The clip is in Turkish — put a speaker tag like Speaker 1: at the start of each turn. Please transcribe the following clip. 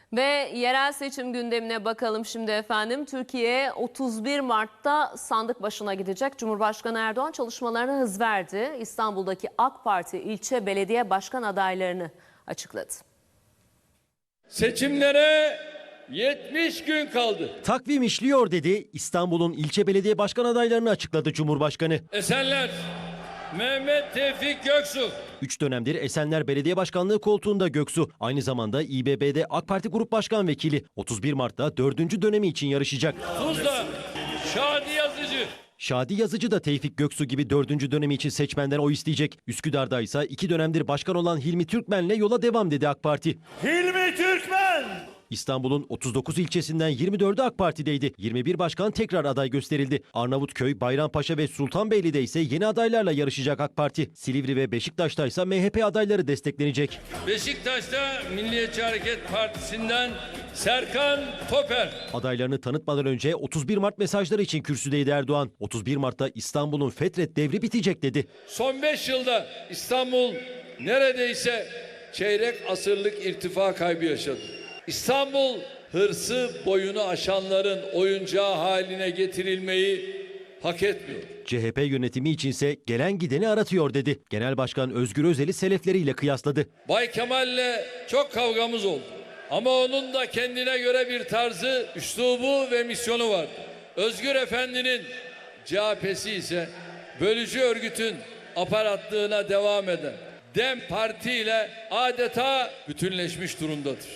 Speaker 1: Ve yerel seçim gündemine bakalım şimdi efendim. Türkiye 31 Mart'ta sandık başına gidecek. Cumhurbaşkanı Erdoğan çalışmalarına hız verdi. İstanbul'daki AK Parti ilçe belediye başkan adaylarını açıkladı.
Speaker 2: Seçimlere 70 gün kaldı.
Speaker 3: Takvim işliyor dedi. İstanbul'un ilçe belediye başkan adaylarını açıkladı Cumhurbaşkanı.
Speaker 2: Esenler, Mehmet Tevfik Göksu.
Speaker 3: 3 dönemdir Esenler Belediye Başkanlığı koltuğunda Göksu. Aynı zamanda İBB'de AK Parti Grup Başkan Vekili. 31 Mart'ta 4. dönemi için yarışacak.
Speaker 2: Tuzla, Şadi Yazıcı.
Speaker 3: Şadi Yazıcı da Tevfik Göksu gibi 4. dönemi için seçmenden oy isteyecek. Üsküdar'da ise 2 dönemdir başkan olan Hilmi Türkmen'le yola devam dedi AK Parti.
Speaker 2: Hilmi Türkmen.
Speaker 3: İstanbul'un 39 ilçesinden 24'ü AK Parti'deydi. 21 başkan tekrar aday gösterildi. Arnavutköy, Bayrampaşa ve Sultanbeyli'de ise yeni adaylarla yarışacak AK Parti. Silivri ve Beşiktaş'ta ise MHP adayları desteklenecek.
Speaker 2: Beşiktaş'ta Milliyetçi Hareket Partisi'nden Serkan Toper.
Speaker 3: Adaylarını tanıtmadan önce 31 Mart mesajları için kürsüdeydi Erdoğan. 31 Mart'ta İstanbul'un Fetret devri bitecek dedi.
Speaker 2: Son 5 yılda İstanbul neredeyse çeyrek asırlık irtifa kaybı yaşadı. İstanbul hırsı boyunu aşanların oyuncağı haline getirilmeyi hak etmiyor.
Speaker 3: CHP yönetimi içinse gelen gideni aratıyor dedi. Genel Başkan Özgür Özel'i selefleriyle kıyasladı.
Speaker 2: Bay Kemal'le çok kavgamız oldu. Ama onun da kendine göre bir tarzı, üslubu ve misyonu vardı. Özgür Efendi'nin CHP'si ise bölücü örgütün aparatlığına devam eden DEM Parti ile adeta bütünleşmiş durumdadır.